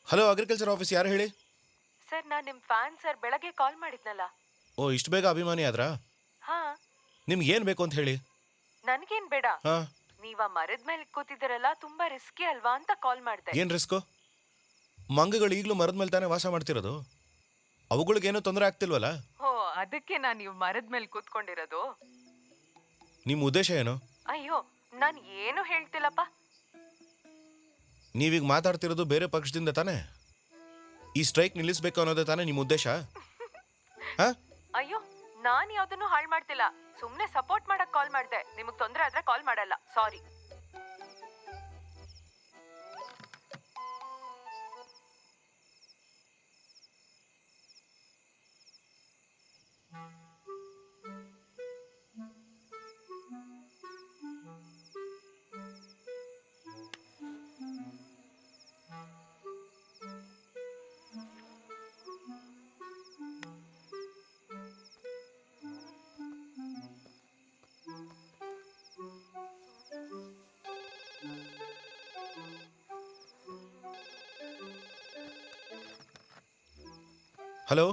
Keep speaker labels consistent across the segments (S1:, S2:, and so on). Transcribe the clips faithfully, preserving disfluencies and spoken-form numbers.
S1: Hello, agriculture office, ಯಾರು ಹೇಳಿ?
S2: Sir, ನಾನು ನಿಮ್ಮ ಫ್ಯಾನ್ ಸರ್. ಬೆಳಗ್ಗೆ ಕಾಲ್ ಮಾಡಿದ್ನಲ್ಲ.
S1: ಓ, ಇಷ್ಟು ಬೇಗ ಅಭಿಮಾನಿ ಆದ್ರಾ?
S2: ಹಾ.
S1: ನಿಮ್ಗೆ ಏನು ಬೇಕು ಅಂತ ಹೇಳಿ.
S2: ನನಗೇನು ಬೇಡ.
S1: ಹಾ.
S2: ನೀವ ಮರದ ಮೇಲೆ ಕೂತಿದ್ದೀರಲ್ಲ, ತುಂಬಾ ರಿಸ್ಕಿ ಅಲ್ವಾ ಅಂತ ಕಾಲ್ ಮಾಡಿದೆ.
S1: ಏನು ರಿಸ್ಕು? ಮಂಗಗಳು ಈಗಲೂ ಮರದ ಮೇಲೆ ತಾನೇ ವಾಸ ಮಾಡ್ತಿರೋದು. ಅವುಗಳಿಗೇನೂ ತೊಂದರೆ ಆಗ್ತಿಲ್ವಲ್ಲ?
S2: ಓ, ಅದಕ್ಕೆ ನಾನು ನೀವು ಮರದ ಮೇಲೆ ಕೂತ್ಕೊಂಡಿರೋದು.
S1: ನಿಮ್ಮ ಉದ್ದೇಶ ಏನು?
S2: ಅಯ್ಯೋ, ನಾನು ಏನು ಹೇಳ್ತಿಲ್ಲಪ್ಪ.
S1: ನೀವೀಗ ಮಾತಾಡ್ತಿರೋದು ಬೇರೆ ಪಕ್ಷದಿಂದ ತಾನೇ? ಈ ಸ್ಟ್ರೈಕ್ ನಿಲ್ಲಿಸಬೇಕು ಅನ್ನೋದೇ ತಾನೇ ನಿಮ್ಮ ಉದ್ದೇಶ? ಹಾ?
S2: ಅಯ್ಯೋ, ನಾನು ಯಾವ್ದನ್ನು ಹಾಳು ಮಾಡ್ತಿಲ್ಲ. ಸುಮ್ನೆ ಸಪೋರ್ಟ್ ಮಾಡಕ್ ಕಾಲ್ ಮಾಡಿದೆ. ನಿಮಗ್ ತೊಂದರೆ ಆದ್ರೆ ಕಾಲ್ ಮಾಡಲ್ಲ. ಸಾರಿ.
S1: ಹಲೋ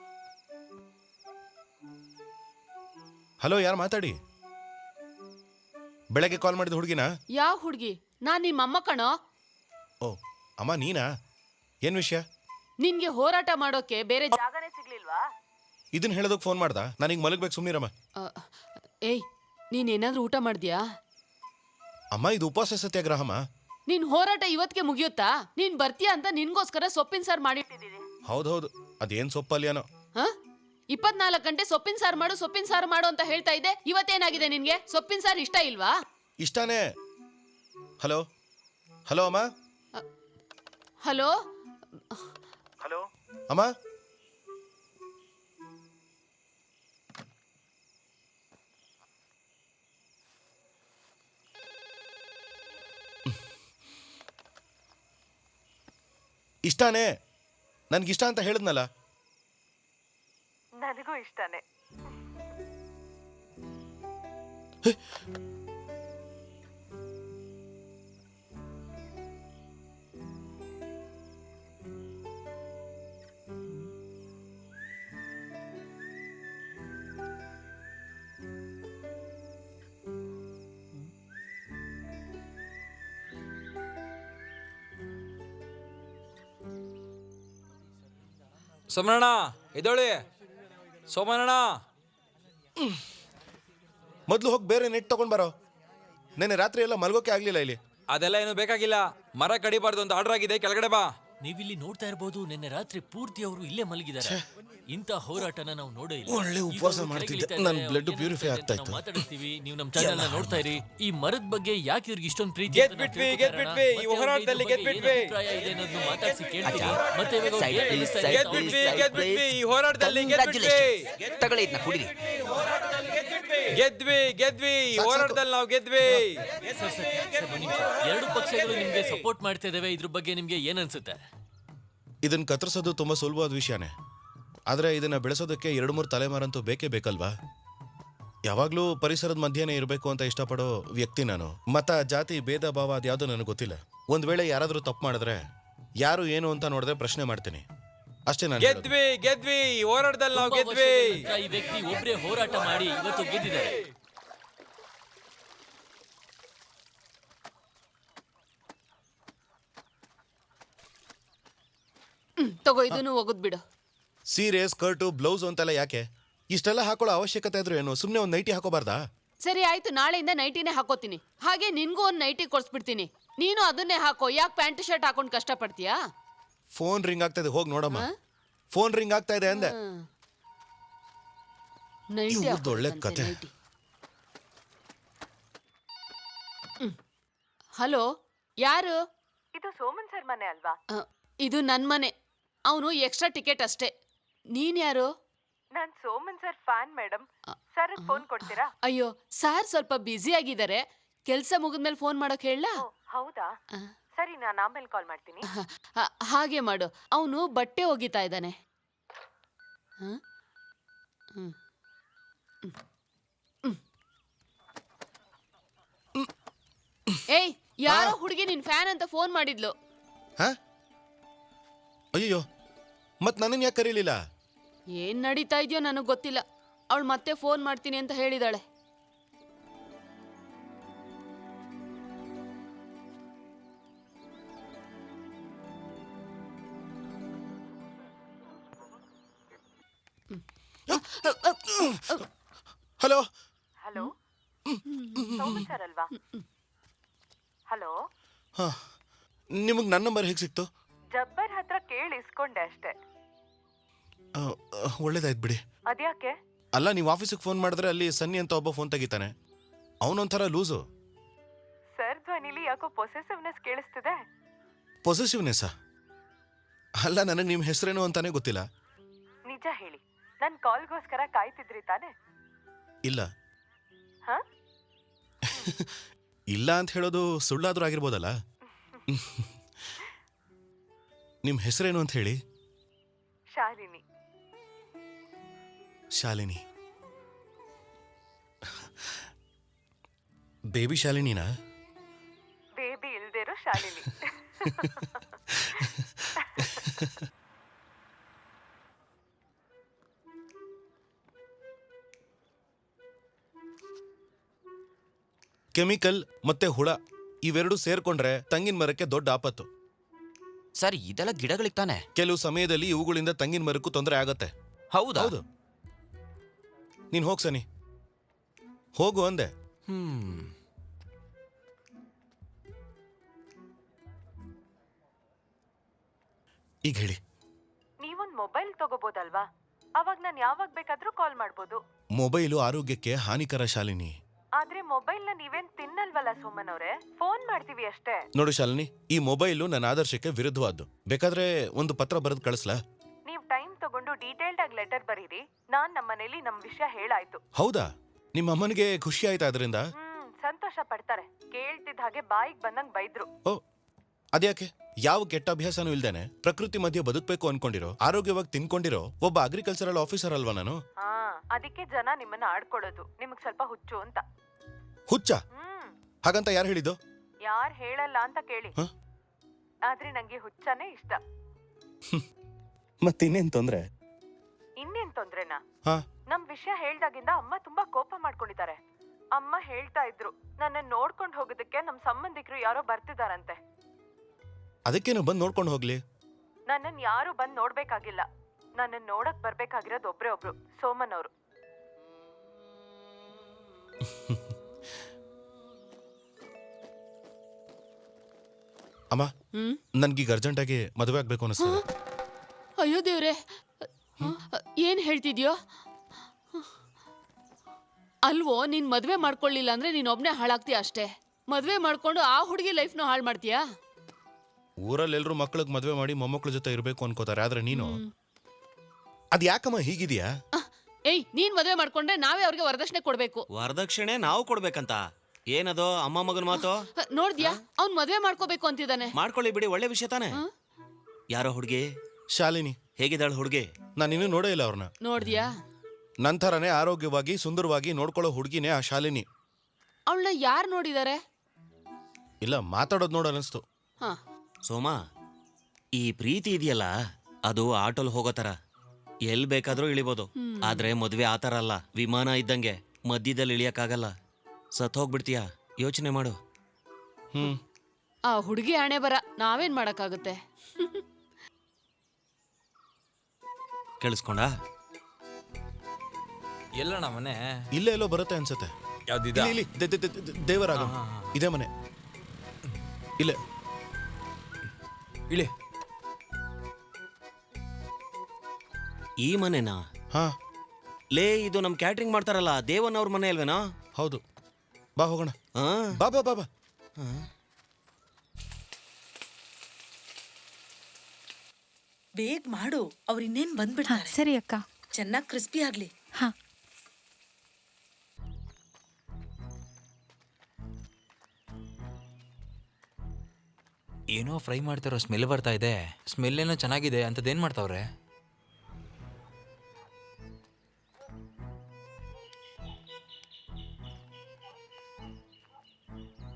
S1: ಹಲೋ, ಯಾರು ಮಾತಾಡಿ? ಬೆಳಗ್ಗೆ ಕಾಲ್ ಮಾಡಿದ ಹುಡುಗಿನಾ?
S3: ಯಾವ ಹುಡುಗಿ? ನಾನ್ ನಿಮ್ಮ ಅಮ್ಮ ಕಣೋ.
S1: ಓ ಅಮ್ಮ, ನೀನಾ? ಏನು ವಿಷಯ?
S3: ನಿನ್ಗೆ ಹೋರಾಟ ಮಾಡೋಕೆ ಬೇರೆ
S2: ಜಾಗನೇ ಸಿಗ್ಲಿಲ್ವಾ?
S1: ಇದನ್ನ ಹೇಳೋದಕ್ಕೆ ಫೋನ್ ಮಾಡ್ದ? ನಾನೀಗ ಮಲಗಬೇಕು, ಸುಮ್ಮನಿರಮ್ಮ.
S3: ಏಯ್, ನೀನೇನಾದ್ರೂ ಊಟ ಮಾಡಿದ್ಯಾ?
S1: ಅಮ್ಮ, ಇದು ಉಪವಾಸ ಸತ್ಯಾಗ್ರಹಮ್ಮ.
S3: ನಿನ್ ಹೋರಾಟ ಇವತ್ತಿಗೆ ಮುಗಿಯುತ್ತಾ? ನೀನ್ ಬರ್ತೀಯಾ ಅಂತ ನಿನ್ಗೋಸ್ಕರ ಸೊಪ್ಪಿನ ಸಾರು ಮಾಡಿಟ್ಟಿದ್ದೀನಿ.
S1: ಹೌದೌದು, ಅದೇನು ಸೊಪ್ಪಲ್ಯಾನೋ.
S3: ಹ ಇಪ್ಪತ್ನಾಲ್ಕು ಗಂಟೆ ಸೊಪ್ಪಿನ ಸಾರು ಮಾಡು, ಸೊಪ್ಪಿನ ಸಾರು ಮಾಡು ಅಂತ ಹೇಳ್ತಾ ಇದ್ದೆ. ಇವತ್ತೇನಾಗಿದೆ ನಿನ್ಗೆ? ಸೊಪ್ಪಿನ ಸಾರು ಇಷ್ಟ ಇಲ್ವಾ?
S1: ಇಷ್ಟಾನೇ. ಹಲೋ ಹಲೋ ಅಮ್ಮ.
S3: ಹಲೋ
S1: ಹಲೋ ಅಮ್ಮ. ಇಷ್ಟಾನೇ, ನನ್ಗಿಷ್ಟ ಅಂತ ಹೇಳಿದ್ನಲ್ಲ.
S2: ನನಗೂ ಇಷ್ಟನೇ.
S4: ಸೋಮಣ್ಣ ಎದೋಳಿ. ಸೋಮಣ್ಣ,
S1: ಮೊದಲು ಹೋಗಿ ಬೇರೆ ನೆಟ್ ತಗೊಂಡ್ ಬರೋ. ನೆನ್ನೆ ರಾತ್ರಿ ಎಲ್ಲ ಮಲ್ಗೋಕೆ ಆಗ್ಲಿಲ್ಲ ಇಲ್ಲಿ.
S4: ಅದೆಲ್ಲ ಏನು ಬೇಕಾಗಿಲ್ಲ. ಮರ ಕಡಿಬಾರ್ದು ಅಂತ ಆರ್ಡರ್ ಆಗಿದೆ, ಕೆಳಗಡೆ ಬಾ.
S5: ನೀವಿಲ್ಲಿ ನೋಡ್ತಾ ಇರಬಹುದು, ನಿನ್ನೆ ರಾತ್ರಿ ಪೂರ್ತಿ ಅವರು ಇಲ್ಲೇ ಮಲಗಿದ್ದಾರೆ. ಇಂತ ಹೋರಾಟನ ನಾವು ನೋಡೇ ಇಲ್ಲ.
S1: ಒಳ್ಳೆ ಉಪವಾಸ ಮಾಡ್ತಿದ್ದೆ, ನನ್ನ ಬ್ಲಡ್ ಪ್ಯೂರಿಫೈ ಆಗ್ತಾ ಇತ್ತು.
S5: ಮಾತಾಡ್ತೀವಿ, ನೀವು ನಮ್ಮ ಚಾನೆಲ್ ನ ನೋಡ್ತಾ ಇರಿ. ಈ ಮರದ ಬಗ್ಗೆ ಯಾಕೆ ಇವ್ರಿಗೆ ಇಷ್ಟೊಂದು ಪ್ರೀತಿ?
S4: ಗೆದ್ ಬಿಟ್ವಿ, ಗೆದ್ ಬಿಟ್ವಿ, ಈ ಹೋರಾಟದಲ್ಲಿ ಗೆದ್ ಬಿಟ್ವಿ.
S5: ಅಭಿಪ್ರಾಯ ಇದೆ ಅನ್ನೋದನ್ನ ಮಾತಾಡ್ಸಿ ಕೇಳ್ತೀವಿ. ಮತ್ತೆ ಇವಾಗ ಅವ್ರು
S6: Side
S5: ಏನ್
S6: please,
S5: ಹೇಳ್ತಾ
S6: side
S5: ಇದ್ದಾರೆ?
S4: ಗೆದ್ ಬಿಟ್ವಿ, ಗೆದ್ ಬಿಟ್ವಿ, ಈ ಹೋರಾಟದಲ್ಲಿ ಗೆದ್ ಬಿಟ್ವಿ.
S6: ತಗೊಳ್ಳಿ ಇದನ್ನ ಕುಡಿರಿ.
S4: ಗೆದ್ವಿ ಗೆದ್ವಿ, ಈ ಹೋರಾಟದಲ್ಲಿ ನಾವು ಗೆದ್ವಿ.
S5: ಸರ್, ಸರ್, ಸರ್, ಒಂದ್ ನಿಮಿಷ. ಎರಡು ಪಕ್ಷಗಳು ನಿಮ್ಗೆ ಸಪೋರ್ಟ್ ಮಾಡ್ತಾ ಇದಾವೆ. ಇದ್ರ ಬಗ್ಗೆ ನಿಮ್ಗೆ ಏನ್ ಅನ್ಸುತ್ತೆ?
S1: ಇದನ್ನ ಕತ್ತರಿಸೋದು ತುಂಬಾ ಸುಲಭವಾದ ವಿಷಯನೇ. ಆದರೆ ಇದನ್ನ ಬೆಳೆಸೋದಕ್ಕೆ ಎರಡು ಮೂರು ತಲೆಮಾರಂತೂ ಬೇಕೇ ಬೇಕಲ್ವಾ? ಯಾವಾಗಲೂ ಪರಿಸರದ ಮಧ್ಯೆನೇ ಇರಬೇಕು ಅಂತ ಇಷ್ಟಪಡೋ ವ್ಯಕ್ತಿ ನಾನು. ಮತ, ಜಾತಿ, ಭೇದ ಭಾವ ಅದ್ಯಾವುದೂ ನನಗೆ ಗೊತ್ತಿಲ್ಲ. ಒಂದ್ ವೇಳೆ ಯಾರಾದರೂ ತಪ್ಪು ಮಾಡಿದ್ರೆ ಯಾರು ಏನು ಅಂತ ನೋಡಿದ್ರೆ ಪ್ರಶ್ನೆ ಮಾಡ್ತೀನಿ ಅಷ್ಟೇ. ನಾನು
S4: ಗೆದ್ವಿ ಗೆದ್ವಿ, ಈ ಹೋರಾಟದಲ್ಲಿ ನಾವು
S5: ತುಂಬಾ
S4: ಗೆದ್ವಿ.
S5: ವರ್ಷಗಳ ನಂತರ ಈ ವ್ಯಕ್ತಿ ಒಬ್ರೇ ಹೋರಾಟ ಮಾಡಿ ಇವತ್ತು ಗೆದ್ದಿದ್ದಾರೆ.
S3: ಹ್ಮ್, ತಗೋ, ಇದನ್ನು ಹೋಗುದ್ ಬಿಡು.
S1: ಸೀರೆ, ಸ್ಕರ್ಟು, ಬ್ಲೌಸ್ ಅಂತೆಲ್ಲ ಯಾಕೆ? ಇಷ್ಟೆಲ್ಲ ಹಾಕೊಳ್ಳೋ ಅವಶ್ಯಕತೆ ಇದ್ರು ಏನು? ಸುಮ್ಮನೆ ಒಂದು ನೈಟಿ ಹಾಕೋಬಾರ್ದಾ?
S3: ಸರಿ ಆಯ್ತು, ನಾಳೆಯಿಂದ ನೈಟಿನೇ ಹಾಕೋತೀನಿ. ಹಾಗೆ ನಿನ್ಗೂ ಒಂದು ನೈಟಿ ಕೊಡ್ಸ್ಬಿಡ್ತೀನಿ. ನೀನು ಅದನ್ನೇ ಹಾಕೋ. ಯಾಕೆ ಪ್ಯಾಂಟ್ ಶರ್ಟ್ ಹಾಕೊಂಡು ಕಷ್ಟಪಡ್ತೀಯಾ?
S1: ಫೋನ್ ರಿಂಗ್ ಆಗ್ತಾ ಇದೆ, ಹೋಗಿ ನೋಡಮ್ಮ. ಫೋನ್ ರಿಂಗ್ ಆಗ್ತಾ ಇದೆ ಅಂದೆ.
S3: ನೈಟಿ
S1: ಇವ್ರ್ದ್ ಒಳ್ಳೆ ಕತೆ.
S3: ಹಲೋ, ಯಾರು?
S2: ಇದು ಸೋಮನ್ ಸರ್ ಮನೆ ಅಲ್ವಾ?
S3: ಅ, ಇದು ನನ್ ಮನೆ. ಅವನು ಎಕ್ಸ್ಟ್ರಾ ಟಿಕೆಟ್ ಅಷ್ಟೇ. ನೀನ್ ಯಾರು?
S2: ನಾನ್ Soman sir fan madam. Sir phone ಕೊಡ್ತೀರಾ?
S3: ಅಯ್ಯೋ, ಸಾರ್ ಸ್ವಲ್ಪ ಬ್ಯುಸಿ ಆಗಿದ್ದಾರೆ. ಕೆಲ್ಸ ಮುಗಿದ್ಮೇಲೆ ಫೋನ್ ಮಾಡೋಕ್ ಹೇಳ?
S2: ಓ, ಹೌದಾ? ಸರಿ, ನಾನು ಆಮೇಲೆ ಕಾಲ್ ಮಾಡ್ತೀನಿ.
S3: ಹಾಗೆ ಮಾಡು. ಅವನು ಬಟ್ಟೆ ಒಗಿತಾ ಇದ್ದಾನೆ. ಏಯ್, ಯಾರೋ ಹುಡುಗಿ ನಿನ್ ಫ್ಯಾನ್ ಅಂತ ಫೋನ್ ಮಾಡಿದ್ಲು.
S1: ಅಯ್ಯೋ ಮತ್ ನನ್ನನ್ನು ಯಾಕೆ ಕರೀಲಿಲ್ಲ?
S3: ಏನ್ ನಡೀತಾ ಇದೆಯೋ ನನಗೆ ಗೊತ್ತಿಲ್ಲ. ಅವಳು ಮತ್ತೆ ಫೋನ್ ಮಾಡ್ತೀನಿ ಅಂತ ಹೇಳಿದಾಳೆ.
S1: ಹಲೋ.
S2: ಹಲೋ ಸೋಮನ್ ಸರ್ ಅಲ್ವಾ? ಹಲೋ,
S1: ಹಾ, ನಿಮಗೆ ನನ್ನ ನಂಬರ್ ಹೇಗೆ ಸಿಕ್ತು?
S2: ಜಬ್ಬರ್ ಹತ್ರ ಕೇಳಿ ಇಸ್ಕೊಂಡೆ ಅಷ್ಟೇ.
S1: ಆ, ಆ, ಒಳ್ಳೇದಾಯ್ತು ಬಿಡಿ.
S2: ಅದ್ಯಾಕೆ?
S1: ಅಲ್ಲ, ನೀವು ಆಫೀಸಿಗೆ ಫೋನ್ ಮಾಡಿದ್ರೆ ಅಲ್ಲಿ ಸನ್ನಿ ಅಂತ ಒಬ್ಬ ಫೋನ್ ತೆಗಿತಾನೆ. ಅವನೊಂಥರ ಲೂಸು.
S2: ಸರ್ ಧ್ವನಿಲಿ ಯಾಕೋ ಪೊಸೆಸಿವ್ನೆಸ್ ಕೇಳಿಸ್ತಿದೆ.
S1: ಪೊಸೆಸಿವ್ನೆಸ್ಸಾ? ಅಲ್ಲ, ನನಗೆ ನಿಮ್ಮ ಹೆಸರೇನು ಅಂತಾನೆ ಗೊತ್ತಿಲ್ಲ.
S2: ನಿಜ ಹೇಳಿ, ನನ್ ಕಾಲ್ಗೋಸ್ಕರ ಕಾಯ್ತಿದ್ರಿ ತಾನೆ?
S1: ಇಲ್ಲ.
S2: ಹಾ?
S1: ಇಲ್ಲ ಅಂತ ಹೇಳೋದು ಸುಳ್ಳಾದ್ರೂ ಆಗಿರ್ಬೋದಲ್ಲ. ನಿಮ್ಮ ಹೆಸರೇನು ಅಂತ ಹೇಳಿ.
S2: ಶಾಲಿನಿ.
S1: ಶಾಲಿನಿ. ಬೇಬಿ ಶಾಲಿನಿನಾ?
S2: ಬೇಬಿ ಇಲ್ದಿರೋ ಶಾಲಿನಿ.
S1: ಕೆಮಿಕಲ್ ಮತ್ತೆ ಹುಳ ಇವೆರಡು ಸೇರ್ಕೊಂಡ್ರೆ ತಂಗಿನ ಮರಕ್ಕೆ ದೊಡ್ಡ ಆಪತ್ತು.
S6: ಸರ್ ಇದೆಲ್ಲ ಗಿಡಗಳಿಗೆ ತಾನೆ?
S1: ಕೆಲವು ಸಮಯದಲ್ಲಿ ಇವುಗಳಿಂದ ತಂಗಿನ ಮರಕ್ಕೂ ತೊಂದರೆ ಆಗತ್ತೆ.
S6: ಹೌದಾ?
S1: ಹೌದು. ನೀನ್ ಹೋಗ್ ಸನಿ, ಹೋಗು ಅಂದೆ.
S6: ಹ್ಮ್.
S1: ಈಗ ಹೇಳಿ.
S2: ನೀವೊಂದ್ ಮೊಬೈಲ್ ತಗೋಬೋದಲ್ವಾ? ಅವಾಗ ನಾನು ಯಾವಾಗ ಬೇಕಾದ್ರೂ ಕಾಲ್ ಮಾಡ್ಬೋದು.
S1: ಮೊಬೈಲು ಆರೋಗ್ಯಕ್ಕೆ ಹಾನಿಕರ ಶಾಲಿನಿ.
S2: ಆದ್ರೆ ಮೊಬೈಲ್ ನ ನೀವೇನ್ ತಿನ್ನಲ್ವಲ್ಲ ಸೋಮನ್ ಅವ್ರೆ, ಫೋನ್ ಮಾಡ್ತೀವಿ ಅಷ್ಟೇ.
S1: ನೋಡು ಶಾಲಿನಿ, ಈ ಮೊಬೈಲು ನನ್ನ ಆದರ್ಶಕ್ಕೆ ವಿರುದ್ಧವಾದ್ದು. ಬೇಕಾದ್ರೆ ಒಂದು ಪತ್ರ ಬರೆದು ಕಳಿಸ್ಲಾ?
S2: ನೀವ್ ಟೈಮ್ ತಗೊಂಡು ಡೀಟೇಲ್ಡ್ ಆಗಿ ಲೆಟರ್ ಬರೀರಿ. ನಾನ್ ನಮ್ಮನೇಲಿ ನಮ್ ವಿಷಯ ಹೇಳಾಯ್ತು.
S1: ಹೌದಾ? ನಿಮ್ಮ ಅಮ್ಮನಿಗೆ ಖುಷಿ ಆಯ್ತಾ ಅದರಿಂದ?
S2: ಹ್ಮ್, ಸಂತೋಷ ಪಡ್ತಾರೆ. ಕೇಳ್ತಿದ್ದ ಹಾಗೆ ಬಾಯಿಗೆ ಬಂದಂಗ್ ಬೈದ್ರು.
S1: ಓ, ಅದ್ಯಾಕೆ? ಯಾವ ಕೆಟ್ಟ ಅಭ್ಯಾಸನೂ ಇಲ್ದೇನೆ ಪ್ರಕೃತಿ ಮಧ್ಯೆ ಬದುಕಬೇಕು ಅನ್ಕೊಂಡಿರೋ, ಆರೋಗ್ಯವಾಗಿ ತಿನ್ಕೊಂಡಿರೋ ಒಬ್ಬ ಅಗ್ರಿಕಲ್ಚರಲ್ ಆಫೀಸರ್ ಅಲ್ವಾ ನಾನು?
S2: ಹಾ, ಅದಕ್ಕೆ ಜನ ನಿಮ್ಮನ್ನ ಆಡ್ಕೊಳ್ಳೋದು. ನಿಮಗ್ ಸ್ವಲ್ಪ ಹುಚ್ಚು ಅಂತ.
S1: ಹುಚ್ಚ?
S2: ಹ್ಮ್,
S1: ಹಾಗಂತ ಯಾರು ಹೇಳಿದ್ದು?
S2: ಯಾರ್ ಹೇಳಲ್ಲ ಅಂತ ಕೇಳಿ.
S1: ಹ?
S2: ಆದ್ರೆ ನಂಗೆ ಹುಚ್ಚನೇ ಇಷ್ಟ.
S1: ಮತ್ತಿನ್ನೇನ್ ತೊಂದ್ರೆ?
S2: ಇನ್ನೇನ್ ತೊಂದ್ರೆನಾ?
S1: ಹಾ,
S2: ನಮ್ ವಿಷಯ ಹೇಳ್ದಾಗಿಂದ ಅಮ್ಮ ತುಂಬಾ ಕೋಪ ಮಾಡ್ಕೊಂಡಿದ್ದಾರೆ. ಅಮ್ಮ ಹೇಳ್ತಾ ಇದ್ರು, ನನ್ನ ನೋಡ್ಕೊಂಡ್ ಹೋಗೋದಕ್ಕೆ ನಮ್ ಸಂಬಂಧಿಕರು ಯಾರೋ ಬರ್ತಿದಾರಂತೆ.
S1: ಅದಕ್ಕೇನು ಬಂದು ನೋಡ್ಕೊಂಡು ಹೋಗ್ಲಿ.
S2: ನನ್ನನ್ ಯಾರು ಬಂದ್ ನೋಡ್ಬೇಕಾಗಿಲ್ಲ. ನನ್ನನ್ ನೋಡಕ್ ಬರ್ಬೇಕಾಗಿರೋದು ಒಬ್ರೇ ಒಬ್ರು, ಸೋಮನ್ ಅವರು.
S1: ಅಮ್ಮ,
S3: ಹ್ಮ್
S1: ನನ್ಗೀಗ ಅರ್ಜೆಂಟಾಗಿ ಮದುವೆ ಆಗ್ಬೇಕು ಅನಿಸ್ತದೆ.
S3: ಅಯ್ಯೋ ದೇವ್ರೆ, ಏನ್ ಹೇಳ್ತಿದ್ಯೋ? ಅಲ್ವೋ, ನೀನ್ ಮದ್ವೆ ಮಾಡ್ಕೊಳ್ಳಿಲ್ಲ ಅಂದ್ರೆ ನೀನ್ ಒಬ್ನೇ ಹಾಳಾಗ್ತೀಯ ಅಷ್ಟೇ. ಮದ್ವೆ ಮಾಡ್ಕೊಂಡು ಆ ಹುಡುಗಿ ಲೈಫ್ನು ಹಾಳು ಮಾಡ್ತೀಯಾ?
S1: ಊರಲ್ಲಿ ಎಲ್ರು ಮಕ್ಳಿಗೆ ಮದುವೆ ಮಾಡಿ ಮೊಮ್ಮಕ್ಳ ಜೊತೆ ಇರ್ಬೇಕು ಅನ್ಕೋತಾರೆ, ಆದ್ರೆ ನೀನು ಅದ್ ಯಾಕಮ್ಮ ಹೀಗಿದ್ಯಾ?
S3: ಅಹ್, ಏಯ್, ನೀನ್ ಮದ್ವೆ ಮಾಡ್ಕೊಂಡ್ರೆ ನಾವೇ ಅವ್ರಿಗೆ ವರದಕ್ಷಿಣೆ ಕೊಡ್ಬೇಕು.
S7: ವರದಕ್ಷಿಣೆ ನಾವು ಕೊಡ್ಬೇಕಂತ? ಏನದು ಅಮ್ಮ ಮಗನ ಮಾತು?
S3: ಅಹ್, ನೋಡ್ದ್ಯಾ, ಅವ್ನ್ ಮದ್ವೆ ಮಾಡ್ಕೋಬೇಕು ಅಂತಿದ್ದಾನೆ.
S7: ಮಾಡ್ಕೊಳ್ಳಿ ಬಿಡಿ, ಒಳ್ಳೆ ವಿಷಯ ತಾನೆ. ಯಾರೋ ಹುಡುಗಿ?
S1: ಶಾಲಿನಿ.
S7: ಹೇಗಿದ್ದಾಳು ಹುಡುಗಿ?
S1: ನಾನು ಇನ್ನೂ ನೋಡೇ ಇಲ್ಲ ಅವ್ರನ್ನ.
S3: ನೋಡ್ದ್ಯಾ?
S1: ನಂತರನೇ ಆರೋಗ್ಯವಾಗಿ ಸುಂದರವಾಗಿ ನೋಡ್ಕೊಳ್ಳೋ ಹುಡುಗಿನೇ ಆ ಶಾಲಿನಿ.
S3: ಅವಳನ್ನ ಯಾರು ನೋಡಿದಾರೆ?
S1: ಇಲ್ಲ, ಮಾತಾಡೋದು ನೋಡ ಅನಿಸ್ತು.
S3: ಹಾ,
S7: ಸೋಮ, ಈ ಪ್ರೀತಿ ಇದೆಯಲ್ಲ, ಅದು ಆಟೋಲ್ ಹೋಗೋ ತರ. ಎಲ್ ಬೇಕಾದ್ರೂ ಇಳಿಬೋದು. ಆದ್ರೆ ಮದ್ವೆ ಆ ತರ ಅಲ್ಲ, ವಿಮಾನ ಇದ್ದಂಗೆ ಮಧ್ಯದಲ್ಲಿ ಇಳಿಯಕ್ಕಾಗಲ್ಲ. ಸತ್ ಹೋಗ್ಬಿಡ್ತೀಯ. ಯೋಚನೆ ಮಾಡು.
S1: ಹ್ಮ್
S3: ಆ ಹುಡುಗಿ ಹಣೆ ಬರ, ನಾವೇನ್ ಮಾಡಕ್ಕಾಗುತ್ತೆ?
S7: ಕೇಳಿಸ್ಕೊಂಡ?
S4: ಎಲ್ಲಣ್ಣ ಮನೆ?
S1: ಇಲ್ಲೇ ಎಲ್ಲೋ ಬರುತ್ತೆ ಅನ್ಸತ್ತೆ.
S4: ಯಾವ್ದಿದ?
S1: ಇಲ್ಲಿ, ಇಲ್ಲಿ, ದೆ- ದೆ- ದೆ- ದೆ- ದೇವರಾಗ ಇದೇ ಮನೆ. ಇಲ್ಲೇ
S4: ಇಳಿ.
S7: ಈ ಮನೆನಾ?
S1: ಹಾ,
S7: ಲೇ, ಇದು ನಮ್ ಕ್ಯಾಟ್ರಿಂಗ್ ಮಾಡ್ತಾರಲ್ಲ ದೇವನ್ ಅವ್ರ ಮನೆ ಅಲ್ವೇನಾ?
S1: ಹೌದು. ಬಾ ಹೋಗೋಣ.
S7: ಹಾ.
S1: ಬಾ ಬಾ ಬಾ ಬಾ.
S8: ಬೇಗ ಮಾಡು, ಅವ್ರು ಇನ್ನೇನ್ ಬಂದ್ಬಿಡ್ತಾರೆ.
S9: ಸರಿ ಅಕ್ಕ.
S8: ಚೆನ್ನಾಗಿ ಕ್ರಿಸ್ಪಿ ಆಗ್ಲಿ.
S9: ಹಾ.
S4: ಏನೋ ಫ್ರೈ ಮಾಡ್ತಾರೋ ಸ್ಮೆಲ್ ಬರ್ತಾ ಇದೆ. ಸ್ಮೆಲ್ ಏನೋ ಚೆನ್ನಾಗಿದೆ. ಅಂತದೇನ್ ಮಾಡ್ತಾವ್ರೆ?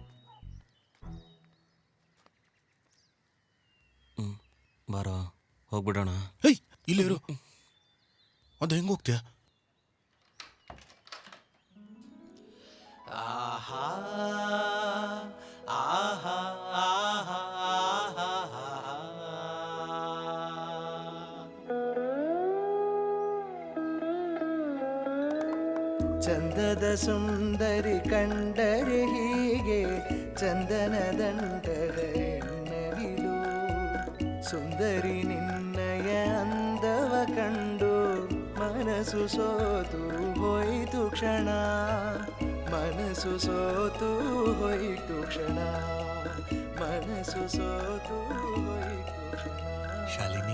S7: ಹ್ಮ್, ಬಾರೋ ಹೋಗ್ಬಿಡೋಣ.
S1: ಹೇಯ್ ಇಲ್ಲಿ ಇರು. ಅದು ಹೆಂಗ್ ಹೋಗ್ತೀಯ?
S9: ಚಂದದ ಸುಂದರಿ ಕಂಡರೆ ಹೀಗೆ ಚಂದನ ದಂಡದ ಹೆಣ್ಣವಿಲು ಸುಂದರಿ ನಿನ್ನಯ ಅಂದವ ಕಂಡು ಮನಸ್ಸು ಸೋತು ಹೋಯಿತು ಕ್ಷಣ ಮನಸ್ಸು ಸೋತು ಹೋಯಿತು ಕ್ಷಣ ಮನಸ್ಸು ಸೋತು ಹೋಯಿತು ಕ್ಷಣ.
S6: ಶಾಲಿನಿ,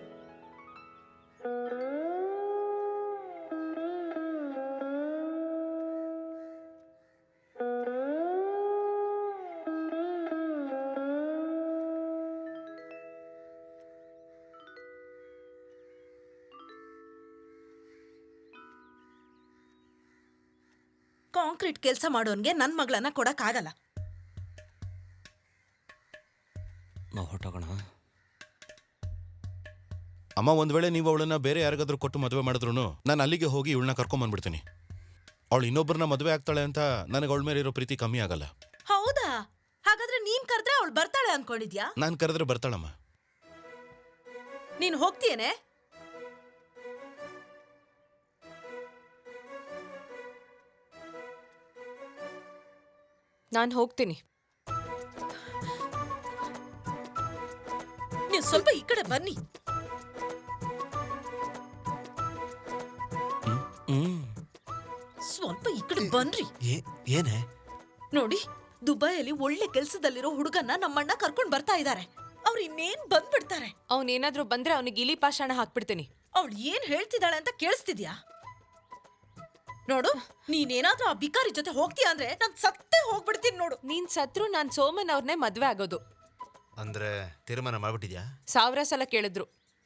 S8: ಕಾಂಕ್ರೀಟ್ ಕೆಲಸ ಮಾಡೋನ್ಗೆ ನನ್ ಮಗಳನ್ನ ಕೊಡಕ್ಕಾಗಲ್ಲ.
S7: ನಾವು ಹೊಟ್ಟೋಗೋಣ.
S1: ಅಮ್ಮ, ಒಂದ್ ವೇಳೆ ನೀವು ಅವಳನ್ನ ಬೇರೆ ಯಾರಿಗಾದ್ರೂ ಕೊಟ್ಟು ಮದುವೆ ಮಾಡಿದ್ರು ನಾನು ಅಲ್ಲಿಗೆ ಹೋಗಿ ಇವಳನ್ನ ಕರ್ಕೊಂಬಂದ್ಬಿಡ್ತೀನಿ. ಅವಳು ಇನ್ನೊಬ್ಬರನ್ನ ಮದುವೆ ಆಗ್ತಾಳೆ ಅಂತ ನನಗೆ ಅವಳ ಮೇಲೆ ಇರೋ ಪ್ರೀತಿ ಕಮ್ಮಿ ಆಗಲ್ಲ.
S8: ಹೌದಾ? ಹಾಗಾದ್ರೆ ನೀನ್ ಕರೆದ್ರೆ ಅವಳು ಬರ್ತಾಳೆ ಅನ್ಕೊಂಡಿದ್ಯಾ?
S1: ನಾನು ಕರೆದ್ರೆ ಬರ್ತಾಳಮ್ಮ.
S8: ನೀನ್ ಹೋಗ್ತೀಯೇನೆ?
S2: ನಾನು ಹೋಗ್ತೀನಿ.
S8: ನೀವು ಸ್ವಲ್ಪ ಈ ಕಡೆ ಬನ್ನಿ.
S7: ಹ್ಮ್
S8: ಸ್ವಲ್ಪ ಈ ಕಡೆ ಬನ್ರಿ.
S6: ಏನೇ?
S8: ನೋಡಿ, ದುಬೈಯಲ್ಲಿ ಒಳ್ಳೆ ಕೆಲ್ಸದಲ್ಲಿರೋ ಹುಡುಗನ್ನ ನಮ್ಮಣ್ಣ ಕರ್ಕೊಂಡ್ ಬರ್ತಾ ಇದ್ದಾರೆ. ಅವ್ರು ಇನ್ನೇನ್ ಬಂದ್ಬಿಡ್ತಾರೆ.
S2: ಅವನೇನಾದ್ರೂ ಬಂದ್ರೆ ಅವನಿಗೆ ಇಲಿ ಪಾಷಾಣ ಹಾಕ್ಬಿಡ್ತೀನಿ.
S8: ಅವಳು ಏನ್ ಹೇಳ್ತಿದ್ದಾಳೆ ಅಂತ ಕೇಳಿಸ್ತಿದ್ಯಾ? ನೋಡು, ನೀನೇನಾದ್ರೂ ಆ ಬಿಕಾರಿ ಜೊತೆ ಹೋಗ್ತೀಯ ಅಂದ್ರೆ ನಾನ್ ಸತ್ತೇ ಹೋಗ್ಬಿಡ್ತೀನಿ ನೋಡು.
S2: ನೀನ್ ಸತ್ರು ನಾನ್ ಸೋಮನ್ ಅವ್ರನ್ನೇ ಮದ್ವೆ ಆಗೋದು.
S6: ಅಂದ್ರೆ ತೀರ್ಮಾನ ಮಾಡ್ಬಿಟ್ಟಿದ್ಯಾ?
S2: ಸಾವಿರ ಸಲ ಕೇಳಿದ್ರು.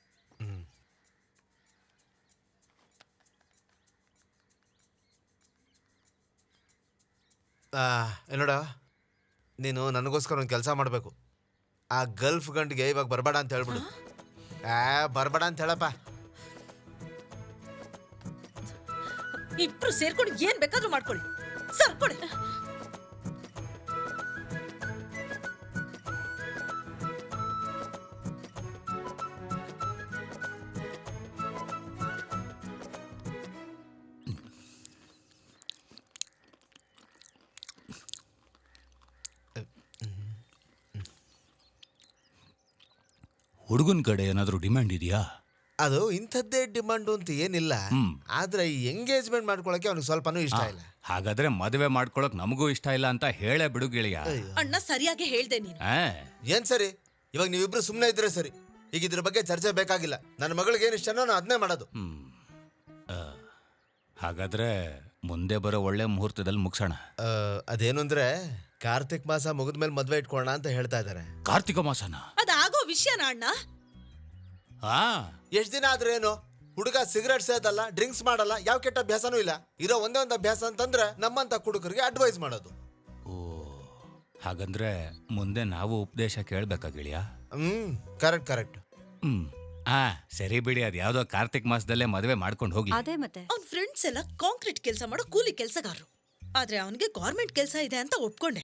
S6: ನೋಡ, ನೀನು ನನಗೋಸ್ಕರ ಒಂದು ಕೆಲಸ ಮಾಡಬೇಕು. ಆ ಗಲ್ಫ್ ಗಂಟಿಗೆ ಇವಾಗ ಬರಬೇಡ ಅಂತ ಹೇಳ್ಬಿಡು. ಆ ಬರಬೇಡ ಅಂತ ಹೇಳಪ್ಪ.
S8: ಇಬ್ರು ಸೇರ್ಕೊಂಡು ಏನ್ ಬೇಕಾದ್ರೂ ಮಾಡ್ಕೊಳ್ಳಿ. ಸರ್ಕೊಳ್ಳಿ.
S10: ಹುಡುಗನ ಕಡೆ ಏನಾದರೂ ಡಿಮ್ಯಾಂಡ್ ಇದೆಯಾ?
S6: ಅದು ಇಂಥದ್ದೇ ಡಿಮಾಂಡು ಅಂತ ಏನಿಲ್ಲ. ಆದ್ರೆ ಈ ಎಂಗೇಜ್ಮೆಂಟ್ ಮಾಡ್ಕೊಳಕ್ಕೆ ಅವ್ನಿಗೆ ಸ್ವಲ್ಪನೂ ಇಷ್ಟ ಇಲ್ಲ.
S10: ಹಾಗಾದ್ರೆ ಮದುವೆ ಮಾಡ್ಕೊಳಕ್ ನಮಗೂ ಇಷ್ಟ ಇಲ್ಲ ಅಂತ ಹೇಳೇ ಬಿಡು ಗೆಳೆಯ.
S8: ಅಣ್ಣ ಸರಿಯಾಗಿ ಹೇಳ್ದೆ ನೀನು.
S10: ಆ,
S6: ಏನ್ ಸರಿ? ಇವಾಗ ನೀವಿಬ್ರು ಸುಮ್ಮನೆ ಇದ್ರೆ ಸರಿ. ಈಗ ಇದ್ರ ಬಗ್ಗೆ ಚರ್ಚೆ ಬೇಕಾಗಿಲ್ಲ. ನನ್ನ ಮಗಳಿಗೆ ಏನು ಇಷ್ಟನೋ ನಾನು ಅದನ್ನೇ ಮಾಡೋದು.
S10: ಹ್ಮ್. ಆ, ಹಾಗಾದ್ರೆ ಮುಂದೆ ಬರೋ ಒಳ್ಳೆ ಮುಹೂರ್ತದಲ್ಲಿ ಮುಗಿಸೋಣ.
S6: ಆ, ಅದೇನು ಅಂದ್ರೆ ಕಾರ್ತಿಕ್ ಮಾಸ ಮುಗಿದ್ಮೇಲೆ ಮದ್ವೆ ಇಟ್ಕೊಳ್ಳೋಣ ಅಂತ ಹೇಳ್ತಾ ಇದ್ದಾರೆ.
S10: ಕಾರ್ತಿಕ ಮಾಸನ?
S8: ಅದಾಗೋ ವಿಷಯನ ಅಣ್ಣ.
S10: ಹಾ,
S6: ಎಷ್ಟ್ ದಿನ ಆದ್ರೆ ಏನು? ಹುಡುಗ ಸಿಗರೇಟ್ ಸೇದಲ್ಲ, ಡ್ರಿಂಕ್ಸ್ ಮಾಡಲ್ಲ, ಯಾವ ಕೆಟ್ಟ ಅಭ್ಯಾಸನೂ ಇಲ್ಲ. ಇರೋ ಒಂದೇ ಒಂದು ಅಭ್ಯಾಸ ಅಂತಂದ್ರೆ ನಮ್ಮಂತ ಹುಡುಗರಿಗೆ ಅಡ್ವೈಸ್ ಮಾಡೋದು.
S10: ಓ, ಹಾಗಂದ್ರೆ ಮುಂದೆ ನಾವು ಉಪದೇಶ ಕೇಳ್ಬೇಕಾ ಗೆಳೆಯ?
S6: ಹ್ಮ್, ಕರೆಕ್ಟ್ ಕರೆಕ್ಟ್.
S10: ಹ್ಮ್. ಆ ಸರಿ ಬಿಡಿ, ಅದ್ ಯಾವ್ದೋ ಕಾರ್ತಿಕ್ ಮಾಸದಲ್ಲೇ ಮದುವೆ ಮಾಡ್ಕೊಂಡು ಹೋಗ್ಲಿ.
S8: ಅದೇ ಮತ್ತೆ ಅವ್ನ್ ಫ್ರೆಂಡ್ಸ್ ಎಲ್ಲ ಕಾಂಕ್ರೀಟ್ ಕೆಲಸ ಮಾಡೋ ಕೂಲಿ ಕೆಲಸಗಾರರು. ಆದ್ರೆ ಅವನಿಗೆ ಗೌರ್ಮೆಂಟ್ ಕೆಲಸ ಇದೆ ಅಂತ ಒಪ್ಕೊಂಡೆ.